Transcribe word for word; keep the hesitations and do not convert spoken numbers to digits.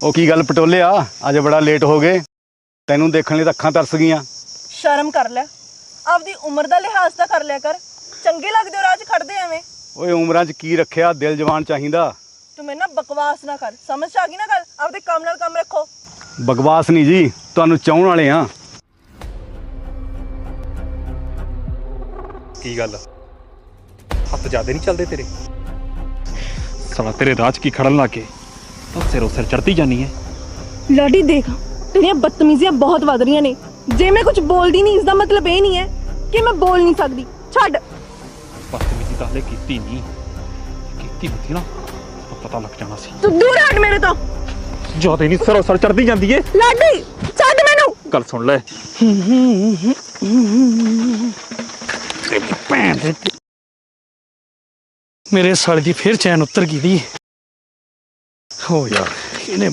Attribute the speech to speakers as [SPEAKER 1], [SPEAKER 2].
[SPEAKER 1] ਉਹ ਕੀ ਗੱਲ ਪਟੋਲਿਆ, ਅੱਜ ਬੜਾ ਲੇਟ ਹੋ ਗਏ। ਤੈਨੂੰ ਦੇਖਣ ਲਈ ਤਾਂ ਅੱਖਾਂ ਤਰਸ ਗਈਆਂ।
[SPEAKER 2] ਸ਼ਰਮ ਕਰ ਲੈ, ਆਪਦੀ ਉਮਰ ਦਾ ਲਿਹਾਜ਼ ਤਾਂ ਕਰ ਲਿਆ ਕਰ। ਚੰਗੇ ਲੱਗਦੇ ਹੋ ਰਾਹ 'ਚ ਖੜਦੇ ਐਵੇਂ।
[SPEAKER 1] ਓਏ ਉਮਰਾਂ 'ਚ ਕੀ ਰੱਖਿਆ, ਦਿਲ ਜਵਾਨ ਚਾਹੀਦਾ।
[SPEAKER 2] ਤੂੰ ਮੇਰੇ ਨਾਲ ਬਕਵਾਸ ਨਾ ਕਰ, ਸਮਝ 'ਚ ਆ ਗਈ ਨਾ ਗੱਲ। ਆਪਦੇ ਕੰਮ ਨਾਲ ਕੰਮ ਰੱਖੋ।
[SPEAKER 1] ਬਕਵਾਸ ਨਹੀਂ ਜੀ, ਤੁਹਾਨੂੰ ਚਾਹਣ ਵਾਲੇ ਆ।
[SPEAKER 3] ਕੀ ਗੱਲ ਹੱਥ ਜ਼ਿਆਦਾ ਨਹੀਂ ਚੱਲਦੇ ਤੇਰੇ? ਸਾਲਾ ਤੇਰੇ ਰਾਹ 'ਚ ਕੀ ਖੜਨ ਲੱਗ ਗਏ? ਤਾਂ ਸਿਰੋਂ ਸਿਰ ਚੜਦੀ ਜਾਨੀ ਹੈ।
[SPEAKER 2] ਲਾਡੀ ਦੇਖ, ਤੇਰੀਆਂ ਬਦਤਮੀਜ਼ੀਆਂ ਬਹੁਤ ਵੱਧ ਰਹੀਆਂ ਨੇ। ਜੇ ਮੈਂ ਕੁਝ ਬੋਲਦੀ ਨਹੀਂ, ਇਸ ਦਾ ਮਤਲਬ ਇਹ ਨਹੀਂ ਹੈ ਕਿ ਮੈਂ ਬੋਲ ਨਹੀਂ ਸਕਦੀ। ਛੱਡ।
[SPEAKER 3] ਬਦਤਮੀਜ਼ੀ ਤਾਂ ਹਲੇ ਕੀਤੀ ਨਹੀਂ, ਕੀਤੀ ਹੁੰਦੀ ਨਾ ਤਾਂ ਪਤਾ ਲੱਗ ਜਾਣਾ ਸੀ।
[SPEAKER 2] ਤੂੰ ਦੂਰ ਹਟ ਮੇਰੇ ਤੋਂ।
[SPEAKER 3] ਜ਼ਿਆਦਾ ਨਹੀਂ ਸਿਰੋਂ ਸਿਰ ਚੜਦੀ ਜਾਂਦੀ ਏ।
[SPEAKER 2] ਲਾਡੀ ਛੱਡ ਮੈਨੂੰ।
[SPEAKER 3] ਗੱਲ ਸੁਣ ਲੈ। ਭੈਣ ਦੇ ਮੇਰੇ ਸਾਲੇ ਦੀ ਫੇਰ ਚੈਨ ਉਤਰ ਗਈ ਦੀ। ਹੋ ਯਾਰ।